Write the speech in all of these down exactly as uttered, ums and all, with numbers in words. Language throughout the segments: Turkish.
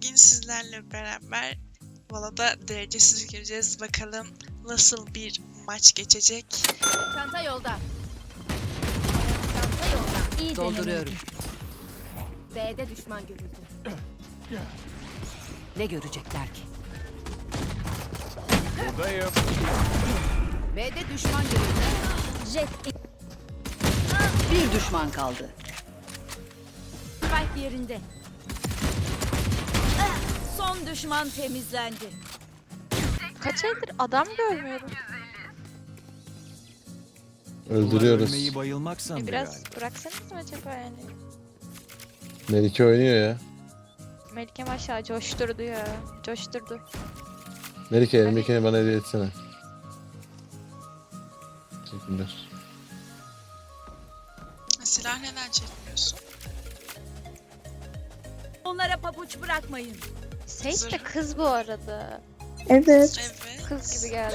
Bugün sizlerle beraber Vala'da derecesiz gireceğiz. Bakalım nasıl bir maç geçecek. Çanta yolda. Çanta yolda. İyi Dolduruyorum. denemedim. B'de düşman görüldü. Ne görecekler ki? Buradayım. B'de düşman görüldü. Jet Bir düşman kaldı. spike yerinde. Son düşman temizlendi. Kaç aydır adam görmüyorum. Öldürüyoruz. Ölmeyi bayılmak sandı Biraz galiba. bıraksanız mı acaba yani? Melike oynuyor ya. Melike maşallah coşturdu ya. Coşturdu. Melike elindekini bana hediye etsene. Teşekkürler. Silah neden çekmiyorsun? Onlara pabuç bırakmayın. Sage de kız bu arada. Evet. Evet. Kız gibi geldi.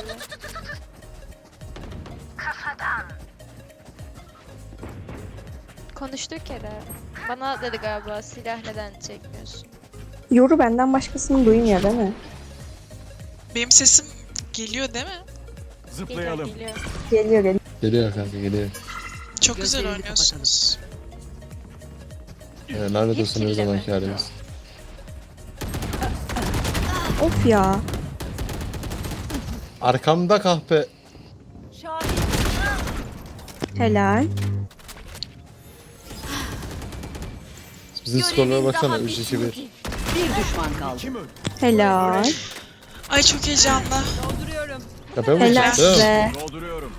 Konuştuk kere. Bana dedi galiba silah neden çekmiyorsun? Yoru benden başkasını duymuyor değil mi? Benim sesim geliyor değil mi? Geliyor Zıplayalım. geliyor. Geliyor geliyor. Geliyor kanka geliyor. Çok güzel Gözlerini oynuyorsunuz. Ee, lanet olsun her Yetkili mi? zamanki halimiz. Of ya. Arkamda kahpe. Şahit. Helal. Bizim skorlara baksana üç iki bir. Bir düşman kaldı. Kim öldü? Helal. Ay çok heyecanlı. Dolduruyorum. Ya ben Helal vuracağım. size. Dolduruyorum.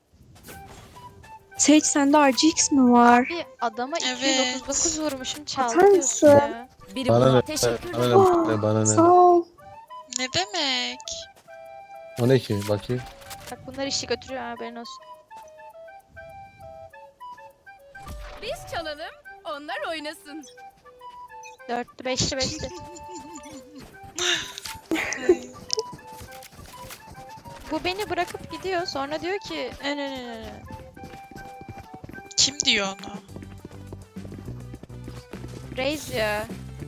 Sage sende R G X mi var? Bir adama Evet. iki yüz otuz dokuz vurmuşum çaldı Atar diyorsun mısın? ya. Biri Bana buna ne? teşekkür Bana ederim. ne? Bana Sağ ne? ol. Ne demek? O ne ki? Bakayım. Bak bunlar işi götürüyor haberin olsun. Biz çalalım, onlar oynasın. Dörtlü, beşli, beşli. Bu beni bırakıp gidiyor. Sonra diyor ki "Ne, ne, ne, ne, ne." Kim diyor onu? Reis ya.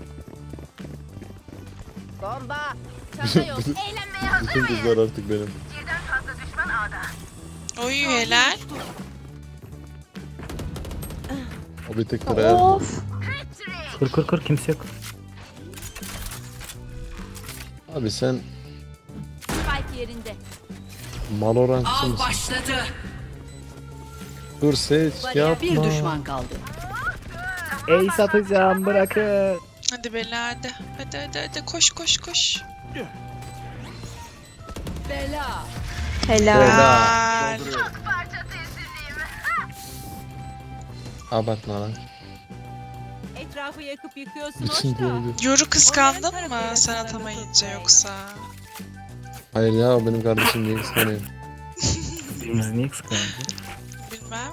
Bomba. Çanta yolda. Eğlenmeye hazır Bütün kızlar artık benim. Oy helal. O bir tek liraya. Of. Kur kur kur kimse yok. Abi sen Spike yerinde. Valorantçı mısın? Başladı. Dur Sage yapma. Bir düşman kaldı. Ey satacağım bırakın. Hadi Bela hadi. Hadi hadi hadi koş koş koş. Bela. Helal. Helal. Dolduruyorum. Abartma lan. Etrafı yakıp yıkıyorsun Bütün hoş da. gördü. Yoru kıskandın Onların mı tarafıyla sen sınırlı atamayınca tutmayın. yoksa? Hayır ya o benim kardeşim diye kıskanıyor. Birimiz niye kıskandı? Bilmem.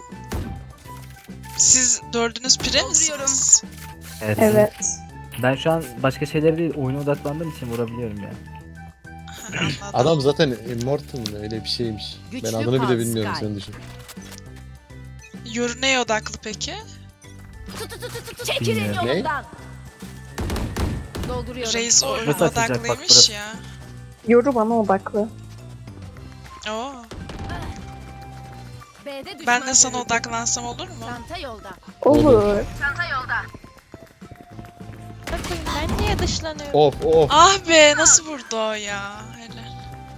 Siz dördünüz pire misiniz? Evet. Evet. Ben şu an başka şeylere değil oyuna odaklandığım için vurabiliyorum yani. Ha, anladım. Adam zaten Immortal mı öyle bir şeymiş. Güçlü Ben adını Pan bile bilmiyorum Sky. sen düşün. Yoru neye odaklı peki? Çekilin Bilmiyorum. Ne? yolundan. Dolduruyorum. Reis oyun Burası açılacak, bak odaklıymış burası. ya. Yoru bana odaklı. Oo. B'de düşman Ben de sana görüldü. odaklansam olur mu? Çanta yolda. Olur. Bakayım ben niye dışlanıyorum? Of of. Ah be nasıl vurdu o ya? Helal.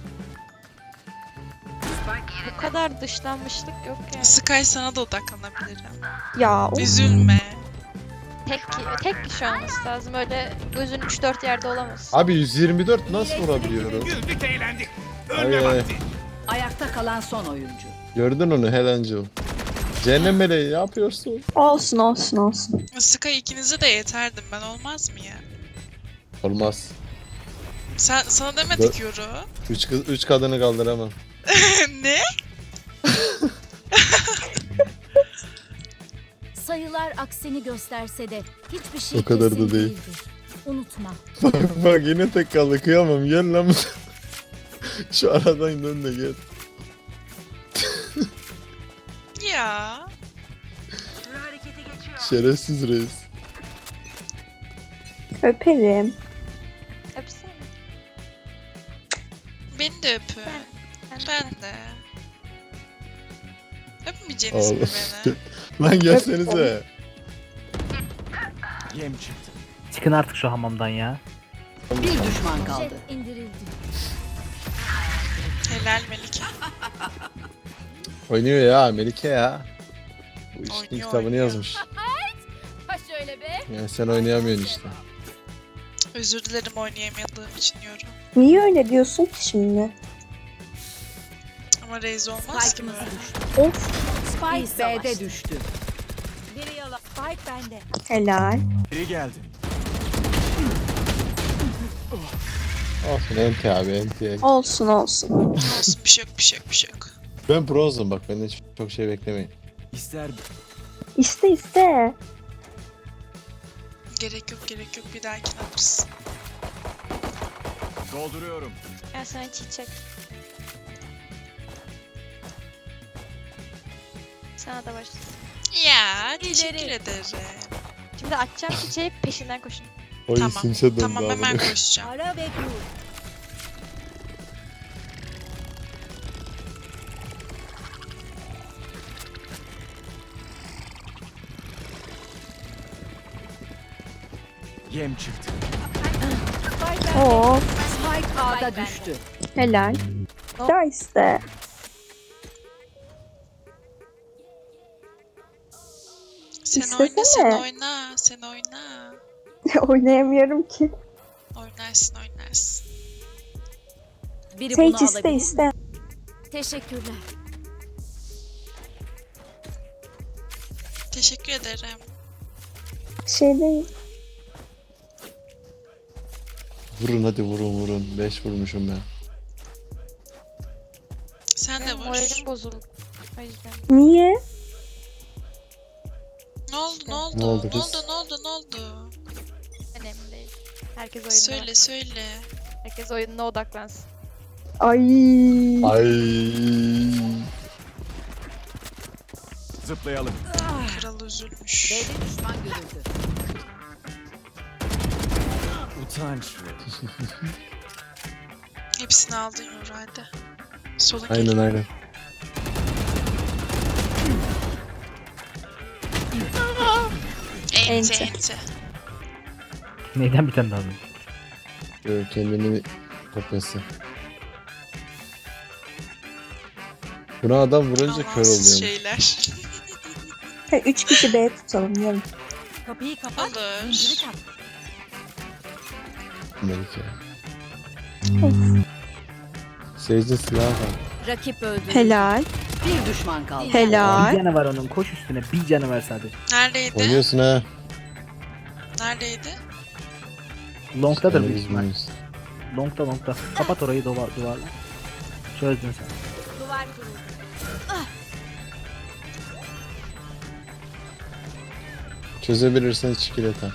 Bu kadar dışlanmışlık yok yani. Sky sana da odaklanabilirim. Ya of. Üzülme. Tek, tek kişi olması lazım. Öyle gözün üç dört yerde olamaz. Abi yüz yirmi dört nasıl vurabiliyorum? Güldük eğlendik. Ay, Ölme ay. vakti. Ayakta kalan son oyuncu. Gördün onu Helencil. Cehennem meleği ne yapıyorsun? Olsun olsun olsun. Sky ikinize de yeterdim ben olmaz mı ya? Olmaz. Sen sana demedik Yoru. Üç, kız, üç kadını kaldıramam. Ne? Sayılar aksini gösterse de hiçbir şey O kadar da kesin değil. değildir. Unutma. Bak bak yine tek kaldı kıyamam gel lan. Şu aradan dön de gel. Ya. Şerefsiz reis. Öperim. beni de öpün. Ben- Ben de. Öpmeyeceğiniz mi Oğlum. beni? Lan gelsenize. Yem çıktı. Çıkın artık şu hamamdan ya. Bir düşman kaldı. Jet indirildi. Helal Melike. Oynuyor ya Melike ya. Bu işin Oynuyor, kitabını oynuyor. yazmış. Ha şöyle be. Yani sen oynayamıyorsun işte. Özür dilerim oynayamadığım için yorum. Niye öyle diyorsun ki şimdi? Ama Reis olmaz ki böyle. Of. Spike B'de düştü. Biri yalan. Spike bende. Helal. Biri geldi. Olsun enti abi enti. Olsun olsun. Olsun bir şey yok bir şey yok bir şey yok. Ben prozum bak benden hiç çok şey beklemeyin. İster İste iste. Gerek yok gerek yok bir dahakine alırız. dolduruyorum. Gel sana çiçek. Sana da başlasın. Ya teşekkür İleri. ederim. Şimdi açacağım çiçeği peşinden koşun. Oyun Tamam, simse döndü Tamam abi. hemen koşacağım. Ara ve kur. Yem çıktı. Spike bende. Oo. Spike A'da bende. düştü. Helal. Da iste. Sen İstesene. oyna sen oyna sen oyna. Oynayamıyorum ki. Oynarsın oynarsın. Biri Sage bunu iste alabilir. iste. Teşekkürler. Teşekkür ederim. Şey değil. Vurun hadi vurun vurun. beş vurmuşum ben. Sen de Benim vur. moralim bozuldu. O yüzden. Niye? Ne oldu ne oldu? Ne Ne oldu oldu kız? ne oldu ne oldu? Önemli değil. Herkes oyununa. Söyle söyle. Herkes oyununa odaklansın. Ay. Ay. Zıplayalım. Kral üzülmüş. B'de düşman görüldü. Utanç. Hepsini aldın Yoru hadi. Solun Aynen geliyor. aynen. Ente Ente. ente. Neyden bir tane daha aldın? Böyle kendini kopyası. Buna adam vurunca kör Amansız oluyor. şeyler. Ha, üç kişi B tutalım yarın. Kapıyı kapat. Olur. Zinciri tak. Melike. Of. Seyirci silahı var. Rakip öldü. Helal. Bir düşman kaldı. Bir Helal. canı var onun. Koş üstüne. Bir canı var sadece. Neredeydi? Oynuyorsun ha. Neredeydi? Long'dadır Yani büyük biz ihtimal. bilmiyoruz. Long'da long'da. Kapat orayı duvar, duvarla. Çözdün sen. Duvar kuruldu. Çözebilirsen çikolata.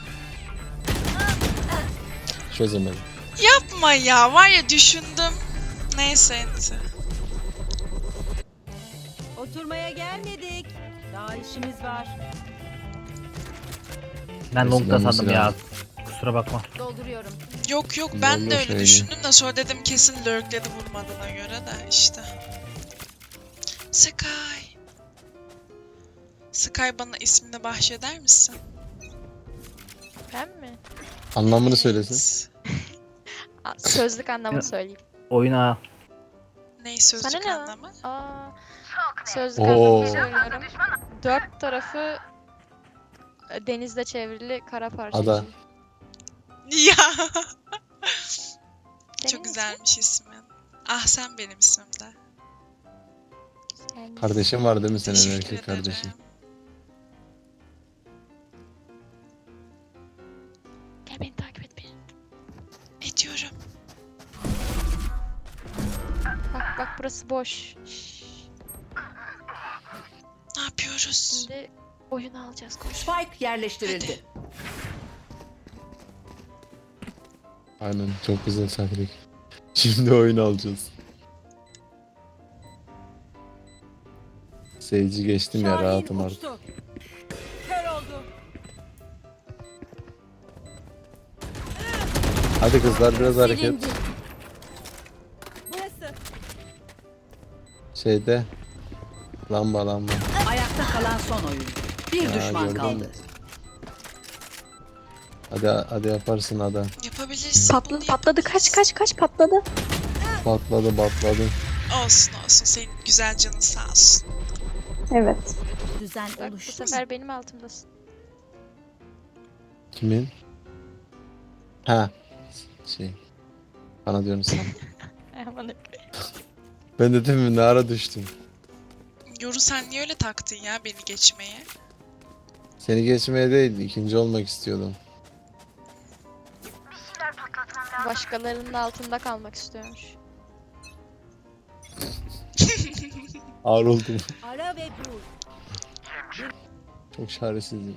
Çözemedim. Yapma ya var ya düşündüm. Neyse ente. Oturmaya gelmedik. Daha işimiz var. Ben long'da Silahını sandım ya. silah. Kusura bakma. Dolduruyorum. Yok yok ben de Vallahi öyle şöyle. düşündüm de sonra dedim kesin lurkledi vurmadığına göre de işte. Sky. Sky bana ismini bahşeder misin? Ben mi? Anlamını söylesin. Aa, sözlük anlamını söyleyeyim. Oyuna Ney sözlük Sana ne lan? anlamı? Aa, sözlük Oo. anlamını söylüyorum. Dört tarafı e, denizle çevrili kara parçacığı. Ada. Ya Senin çok ismin? güzelmiş ismin. Ah sen benim ismimde. Güzelmiş. Kardeşim var değil mi senin Teşekkür erkek ederim. kardeşin? Gel beni takip et beni. Ediyorum. Bak bak burası boş. Şşş. Ne yapıyoruz? Şimdi oyun alacağız koş. Spike yerleştirildi. Aynen çok güzel taktik. Şimdi oyun alacağız. Seyirci geçtim ya rahatım artık. uçtu. Kör oldu. Hadi kızlar biraz hareket. Silindi. Burası. Şeyde. Lamba lamba. Ayakta kalan son oyuncu. Bir Ya, düşman gördün kaldı. mü? Hadi hadi yaparsın hadi. Yapabilirsin. Patladı bunu patladı kaç kaç kaç patladı. Patladı patladı. yap- Olsun olsun. Senin güzel canın sağ olsun. Evet. düzen Bak bu oluştu. sefer benim altımdasın. Kimin? Ha. Şey. Bana diyorsun sen. Aman Ben de demin ne ara düştüm. Yoru sen niye öyle taktın ya beni geçmeye? Seni geçmeye değil, ikinci olmak istiyordum. başkalarının altında kalmak istiyormuş. Ağır oldum. Ara ve bul. Çok çaresizim.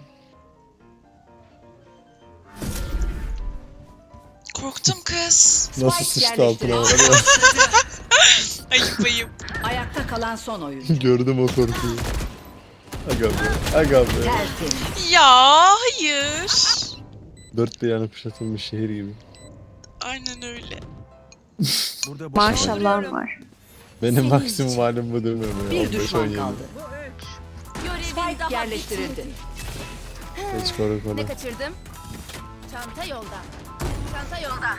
Korktum kız. Nasıl Spike sıçtı altına yerleştirildi. var ya. Ayıp ayıp. Ayakta kalan son oyuncu. Gördüm o korkuyu. Aga be. Aga be. Tertemiz. Ya hayır. Dört bir yanı kuşatılmış şehir gibi. Aynen öyle. Burada Maşallah var. Benim Senin maksimum için. halim bu değil mi? Bir on beş on düşman yedi. kaldı. Görevin Spike daha yerleştirildi. bitmedi. Hiç koru koru. Ne kaçırdım? Çanta yolda. Çanta yolda.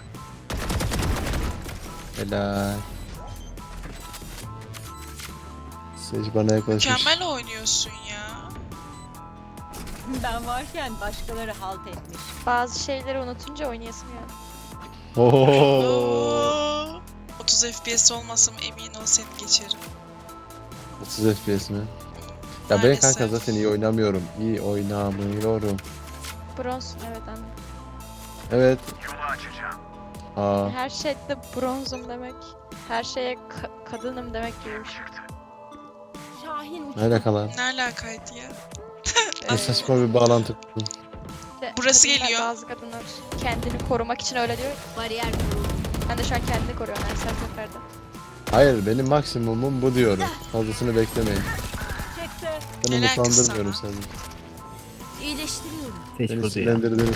Helal. Sage bana yaklaşmış. Mükemmel oynuyorsun ya. Ben varken başkaları halt etmiş. Bazı şeyleri unutunca oynayasım ya. Oo. Oo. otuz F P S olmasam emin ol seni geçerim. otuz F P S mi? Ya ben Maalesef. kanka zaten iyi oynamıyorum. İyi oynamıyorum. Bronz evet anne. Evet. Aa, Her şeyde bronzum demek. Her şeye ka- kadınım demek gibi bir şey. Şahin ne alaka lan? Ne alakaydı ya? Ne saçma bir bağlantı kurdun. İşte Burası kadınlar, geliyor. Bazı kadınlar kendini korumak için öyle diyor. bariyer kuruldu. Ben de şu an kendini koruyorum her seferde. Hayır benim maksimumum bu diyorum. Fazlasını beklemeyin. Ben Helal kız umutlandırmıyorum sana. seni. İyileştiriyorum. Seç Beni burada ya. sinirlendirdiniz.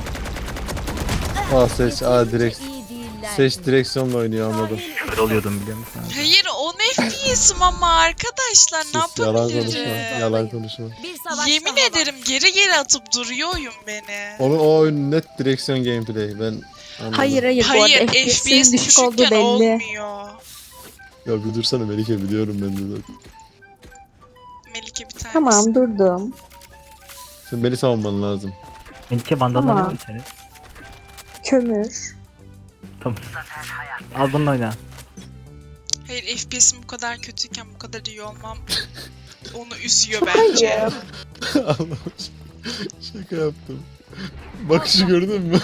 Aa Seç, aa Yeterince direkt. iyi değiller. Seç direksiyonla oynuyor anladım. Öyle oluyordum biliyor musun? Hayır on F P S'im ama arkadaşlar ne Sus, yalan konuşma, yapabilirim? yalan konuşma. Bir savaş Yemin daha var. ederim geri geri atıp duruyor oyun beni. Onun o oyun net direksiyon gameplay. Ben anladım. Hayır hayır, bu Hayır arada F P F P S'in S düşük olduğu düşükken belli. olmuyor. Ya bir dursana Melike, biliyorum ben de zaten. Melike bir tanesi. Tamam durdum. Sen beni savunman lazım. Melike bandana Tamam. alıyor musun seni? Kömür. Tamam. Al bununla oyna. Hayır F P S'im bu kadar kötüyken bu kadar iyi olmam onu üzüyor bence. Hayır. Allah'ım, şaka yaptım. Bakışı gördün mü?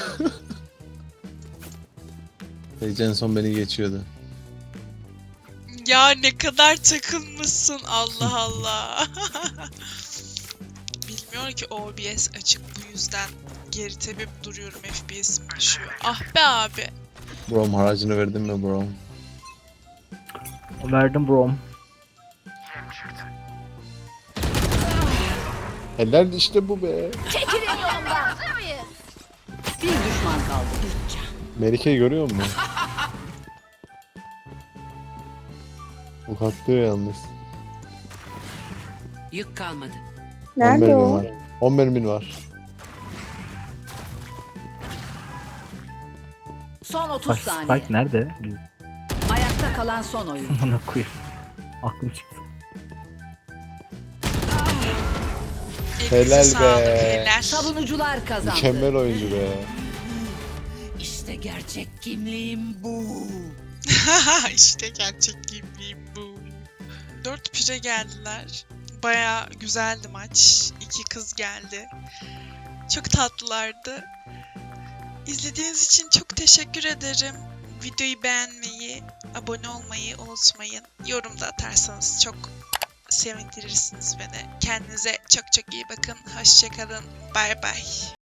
Sage en son beni geçiyordu. Ya ne kadar takılmışsın Allah Allah. Bilmiyor ki O B S açık, bu yüzden geri tepip duruyorum, F P S'im düşüyor. Ah be abi. Brom haracını verdin mi Brom? Verdim brom. Helal işte bu be. Çekilin yolumdan. Bir düşman kaldı. Melike'yi görüyor musun? Bu katlıyor yalnız. Yük kalmadı. on Nerede mermin o? var. on mermin var. Son otuz Spike, saniye. Spike nerede? Ayakta kalan son oyuncu. Bana koyayım. Aklım çıktı. Elinize Helal sağlık, be. helal. Savunucular kazandı. Mükemmel oyuncu be. İşte gerçek kimliğim bu. İşte gerçek kimliğim bu. Dört pire geldiler. Baya güzeldi maç. İki kız geldi. Çok tatlılardı. İzlediğiniz için çok teşekkür ederim. Videoyu beğenmeyi, abone olmayı unutmayın. Yorumda atarsanız çok sevindirirsiniz beni. Kendinize çok çok iyi bakın. Hoşçakalın. Bay bay.